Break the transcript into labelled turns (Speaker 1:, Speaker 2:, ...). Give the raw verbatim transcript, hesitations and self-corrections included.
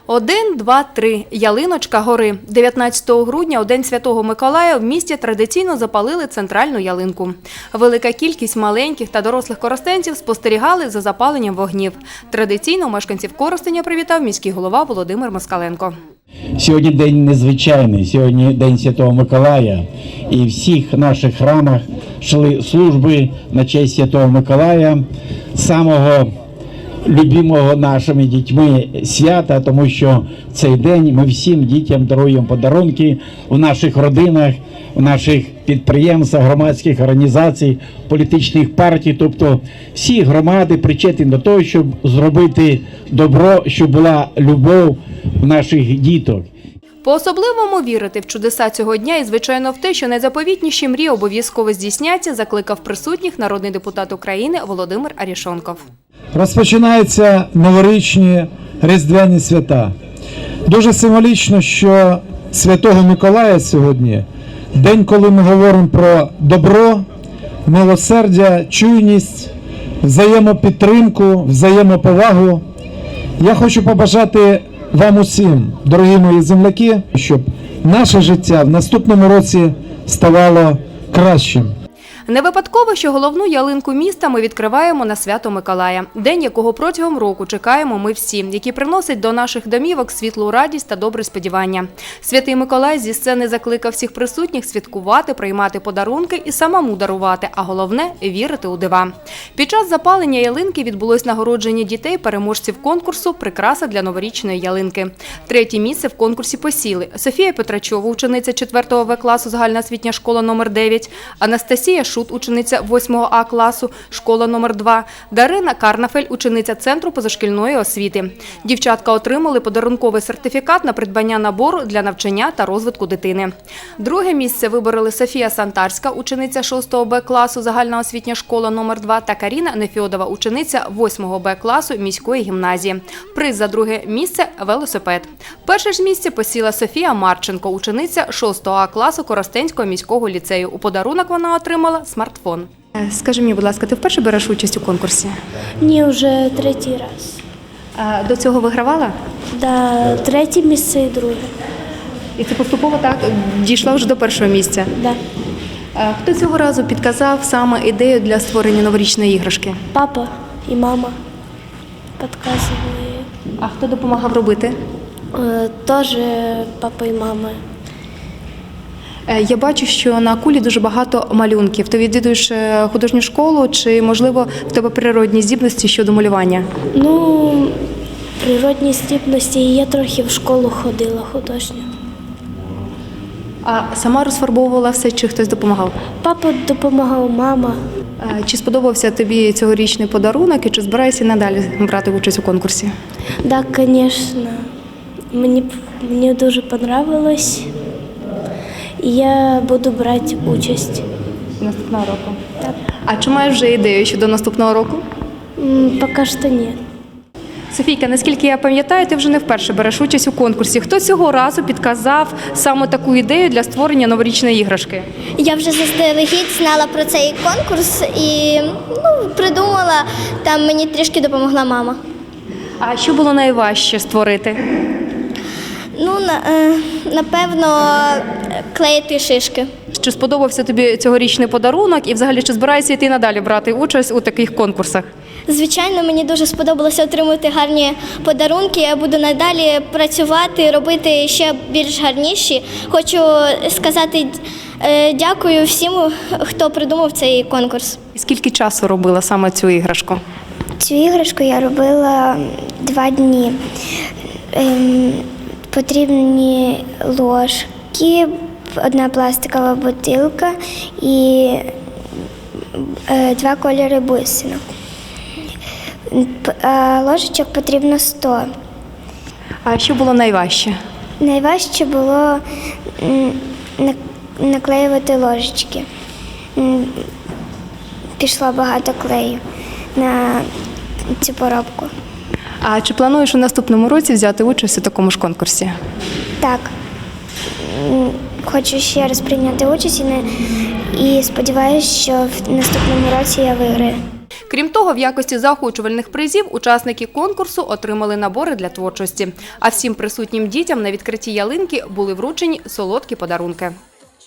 Speaker 1: Один, два, три. Ялиночка гори. дев'ятнадцятого грудня, у День Святого Миколая, в місті традиційно запалили центральну ялинку. Велика кількість маленьких та дорослих коростенців спостерігали за запаленням вогнів. Традиційно мешканців Коростеня привітав міський голова Володимир Москаленко.
Speaker 2: Сьогодні день незвичайний, сьогодні День Святого Миколая. І в всіх наших храмах йшли служби на честь Святого Миколая, самого любимого нашими дітьми свята, тому що в цей день ми всім дітям даруємо подарунки в наших родинах, в наших підприємствах, громадських організацій, політичних партій. Тобто всі громади причетні до того, щоб зробити добро, щоб була любов в наших діток.
Speaker 1: По-особливому вірити в чудеса цього дня і, звичайно, в те, що найзаповітніші мрії обов'язково здійсняться, закликав присутніх народний депутат України Володимир Арешонков.
Speaker 3: Розпочинаються новорічні різдвяні свята. Дуже символічно, що Святого Миколая сьогодні – день, коли ми говоримо про добро, милосердя, чуйність, взаємопідтримку, взаємоповагу. Я хочу побажати вам усім, дорогі мої земляки, щоб наше життя в наступному році ставало кращим.
Speaker 1: Не випадково, що головну ялинку міста ми відкриваємо на Свято Миколая. День, якого протягом року чекаємо ми всі, який приносить до наших домівок світлу радість та добре сподівання. Святий Миколай зі сцени закликав всіх присутніх святкувати, приймати подарунки і самому дарувати, а головне – вірити у дива. Під час запалення ялинки відбулось нагородження дітей, переможців конкурсу «Прикраса для новорічної ялинки». Третє місце в конкурсі посіли Софія Петрачова, учениця четвертого В класу, загальноосвітня школа номер дев'ять, Анастасія Шут, учениця восьмого А класу, школа номер два, Дарина Карнафель, учениця Центру позашкільної освіти. Дівчатка отримали подарунковий сертифікат на придбання набору для навчання та розвитку дитини. Друге місце вибороли Софія Сантарська, учениця шостого Б класу, загальноосвітня школа номер два та Каріна Нефьодова, учениця восьмого Б класу міської гімназії. Приз за друге місце – велосипед. Перше ж місце посіла Софія Марченко, учениця шостого А класу Коростенського міського ліцею. У подарунок вона отримала смартфон. Скажи мені, будь ласка, ти вперше береш участь у конкурсі?
Speaker 4: Ні, вже третій раз.
Speaker 1: А до цього вигравала?
Speaker 4: Да, третє місце і друге.
Speaker 1: І це поступово так дійшла вже до першого місця?
Speaker 4: Да.
Speaker 1: А хто цього разу підказав саме ідею для створення новорічної іграшки?
Speaker 4: Папа і мама підказували.
Speaker 1: А хто допомагав робити?
Speaker 4: Е, Теж папа і мама.
Speaker 1: Е, Я бачу, що на кулі дуже багато малюнків. Ти відвідуєш е, художню школу чи, можливо, в тебе природні здібності щодо малювання?
Speaker 4: Ну, природні здібності, я трохи в школу ходила художню.
Speaker 1: А сама розфарбовувала все, чи хтось допомагав?
Speaker 4: Папа допомагав, мама.
Speaker 1: Е, Чи сподобався тобі цьогорічний подарунок і чи збираєшся надалі брати участь у конкурсі?
Speaker 4: Так, да, звісно. Мені, мені дуже подобалось. І я буду брати участь.
Speaker 1: Наступного року.
Speaker 4: Так.
Speaker 1: А чи маєш вже ідею щодо наступного року?
Speaker 4: М, Поки що ні.
Speaker 1: Софійка, наскільки я пам'ятаю, ти вже не вперше береш участь у конкурсі. Хто цього разу підказав саме таку ідею для створення новорічної іграшки?
Speaker 5: Я вже заздалегідь знала про цей конкурс і ну, придумала, там мені трішки допомогла мама.
Speaker 1: А що було найважче створити?
Speaker 5: Ну, на, е, напевно, клеїти шишки.
Speaker 1: Чи сподобався тобі цьогорічний подарунок і взагалі чи збираєшся йти надалі брати участь у таких конкурсах?
Speaker 5: Звичайно, мені дуже сподобалося отримати гарні подарунки. Я буду надалі працювати, робити ще більш гарніші. Хочу сказати е, дякую всім, хто придумав цей конкурс.
Speaker 1: І скільки часу робила саме цю іграшку?
Speaker 6: Цю іграшку я робила два дні. Ем, потрібні ложки, одна пластикова бутилка і е, два кольори бусинок. П- а ложечок потрібно сто.
Speaker 1: А що було найважче?
Speaker 6: Найважче було м, на- наклеювати ложечки. М, Пішло багато клею на цю поробку.
Speaker 1: А чи плануєш у наступному році взяти участь у такому ж конкурсі?
Speaker 6: Так, м, хочу ще раз прийняти участь і, не, і сподіваюся, що в наступному році я виграю.
Speaker 1: Крім того, в якості заохочувальних призів учасники конкурсу отримали набори для творчості. А всім присутнім дітям на відкритті ялинки були вручені солодкі подарунки.